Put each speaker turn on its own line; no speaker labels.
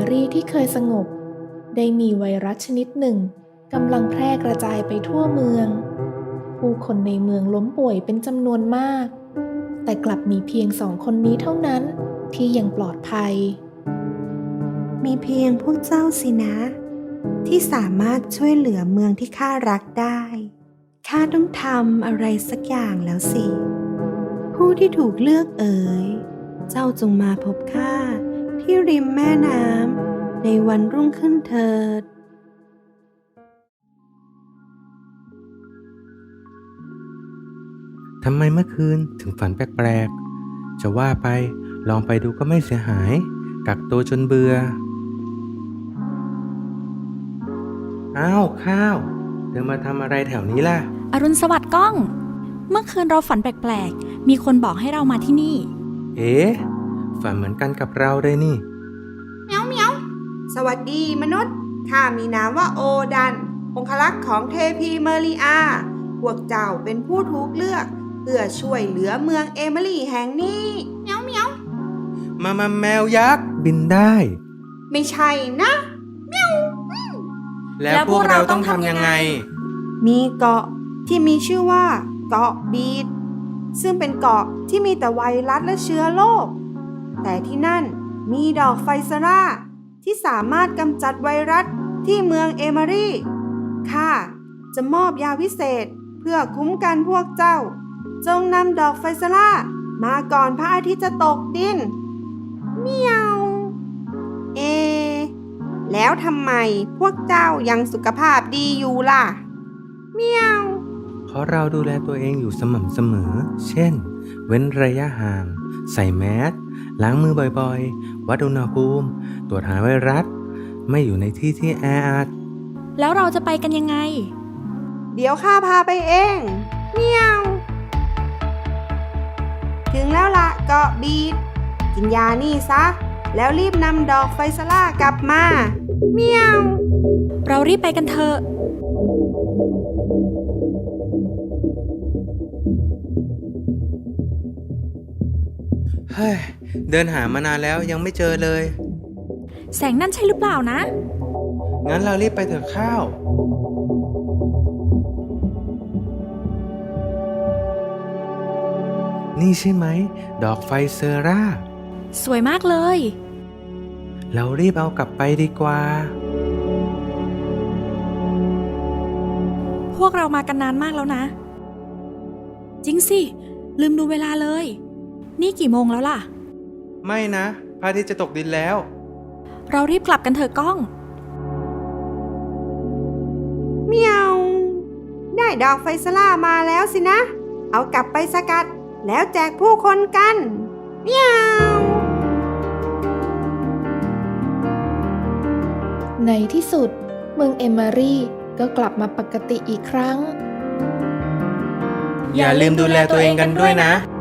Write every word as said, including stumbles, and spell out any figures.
รีที่เคยสงบได้มีไวรัสชนิดหนึ่งกำลังแพร่กระจายไปทั่วเมืองผู้คนในเมืองล้มป่วยเป็นจำนวนมากแต่กลับมีเพียงสองคนนี้เท่านั้นที่ยังปลอดภัย
มีเพียงพวกเจ้าสินะที่สามารถช่วยเหลือเมืองที่ข้ารักได้ข้าต้องทำอะไรสักอย่างแล้วสิผู้ที่ถูกเลือกเอ๋ยเจ้าจงมาพบข้าที่ริมแม่น้ำในวันรุ่งขึ้นเถิด
ทำไมเมื่อคืนถึงฝันแปลกๆจะว่าไปลองไปดูก็ไม่เสียหายกักตัวจนเบื่ออ้าวข้าวเธอมาทำอะไรแถวนี้ล่ะ
อรุณสวัสดิ์ก้องเมื่อคืนเราฝันแปลกๆมีคนบอกให้เรามาที่นี่
เอ๊ะฝันเหมือนกันกับเราเลยนี่
เมียวเมียวสวัสดีมนุษย์ข้ามีนามว่าโอดันองครักษ์ของเทพีเมริอาพวกเจ้าเป็นผู้ถูกเลือกเพื่อช่วยเหลือเมืองเอมิลี่แห่งนี้เมียวเมียว
มามาแมวยักษ์บินได้
ไม่ใช่นะเมียว
แล้วพวกเราต้องทำยังไง
มีเกาะที่มีชื่อว่าเกาะบีดซึ่งเป็นเกาะที่มีแต่ไวรัสและเชื้อโรคแต่ที่นั่นมีดอกไฟซาร่าที่สามารถกำจัดไวรัสที่เมืองเอมิลี่ข้าจะมอบยาวิเศษเพื่อคุ้มกันพวกเจ้าจงนำดอกไฟซาร่ามาก่อนพระอาทิตย์จะตกดินเมียวเอแล้วทำไมพวกเจ้ายังสุขภาพดีอยู่ล่ะเมียว
เพราะเราดูแลตัวเองอยู่สม่ำเสมอเช่นเว้นระยะห่างใส่แมสล้างมือบ่อยๆวัดอุณหภูมิตรวจหาไวรัสไม่อยู่ในที่ที่แออัด
แล้วเราจะไปกันยังไง
เดี๋ยวข้าพาไปเองเมียวถึงแล้วละเกาะบีดกินยานี่ซะแล้วรีบนำดอกไฟซาร่ากลับมาเมียว
เรารีบไปกันเถอะ
เฮ้ยเดินหามานานแล้วยังไม่เจอเลย
แสงนั่นใช่หรือเปล่านะ
งั้นเรารีบไปเถอะข้าวนี่ใช่ไหมดอกไฟเซอร่า
สวยมากเลย
เรารีบเอากลับไปดีกว่า
พวกเรามากันนานมากแล้วนะจริงสิลืมดูเวลาเลยนี่กี่โมงแล้วล่ะ
ไม่นะพระอาทิตย์จะตกดินแล้ว
เรารีบกลับกันเถอะก้อง
เมียวได้ดอกไฟซาร่ามาแล้วสินะเอากลับไปสกัดแล้วแจกผู้คนกันเมียว
ในที่สุดเมืองเอมิลี่ก็กลับมาปกติอีกครั้ง
อย่าลืมดูแลตัวเองกันด้วยนะ